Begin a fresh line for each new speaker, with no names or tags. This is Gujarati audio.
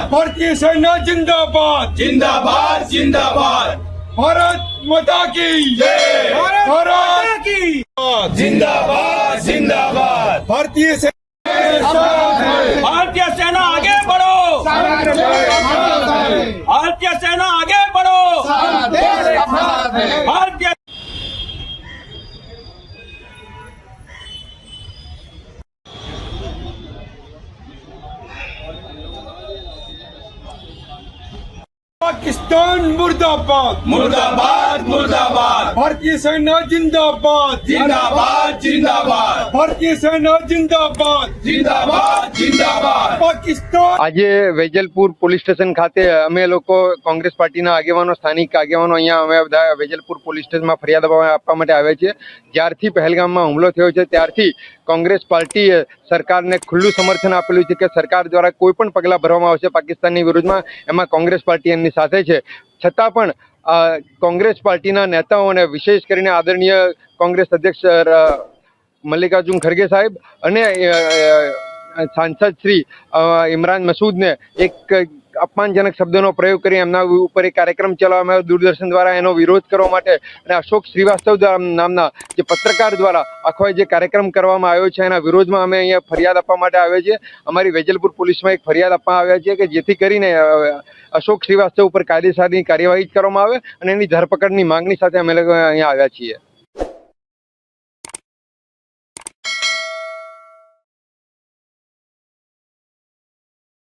भारतीय सेना जिंदाबाद
जिंदाबाद जिंदाबाद
भारत माता की
जय
भारत की
जिंदाबाद जिंदाबाद
भारतीय सेना
भारतीय सेना आगे बढ़ो, भारतीय सेना आगे बढ़ो, भारतीय
पाकिस्तान मुर्दाबाद
मुर्दाबाद मुर्दाबाद
भारतीय सेना जिंदाबाद
जिंदाबाद जिंदाबाद
भारतीय सेना जिंदाबाद
जिंदाबाद जिंदाबाद
पाकिस्तान
આજે વેજલપુર પોલીસ સ્ટેશન ખાતે અમે લોકો કોંગ્રેસ પાર્ટીના આગેવાનો સ્થાનિક આગેવાનો અહીંયા અમે બધા વેજલપુર પોલીસ સ્ટેશનમાં ફરિયાદ આપવા માટે આવ્યા છીએ। જ્યારથી પહેલગામમાં હુમલો થયો છે ત્યારથી કોંગ્રેસ પાર્ટીએ સરકારને ખુલ્લું સમર્થન આપેલું છે કે સરકાર દ્વારા કોઈ પણ પગલાં ભરવામાં આવશે પાકિસ્તાનની વિરુદ્ધમાં, એમાં કોંગ્રેસ પાર્ટી એમની સાથે છે। છતાં પણ કોંગ્રેસ પાર્ટીના નેતાઓને વિશેષ કરીને આદરણીય કોંગ્રેસ અધ્યક્ષ મલ્લિકાર્જુન ખરગે સાહેબ અને સાંસદ શ્રી ઇમરાન મસૂદને એક અપમાનજનક શબ્દોનો પ્રયોગ કરી એમના ઉપર એક કાર્યક્રમ ચલાવવામાં આવ્યો દૂરદર્શન દ્વારા, એનો વિરોધ કરવા માટે અને અશોક શ્રીવાસ્તવ નામના જે પત્રકાર દ્વારા આખો જે કાર્યક્રમ કરવામાં આવ્યો છે એના વિરોધમાં અમે અહીંયા ફરિયાદ આપવા માટે આવ્યા છીએ। અમારી વેજલપુર પોલીસમાં એક ફરિયાદ આપવા આવ્યા છીએ કે જેથી કરીને અશોક શ્રીવાસ્તવ ઉપર કાયદેસરની કાર્યવાહી કરવામાં આવે અને એની ધરપકડની માંગણી સાથે અમે લોકો અહીંયા આવ્યા છીએ।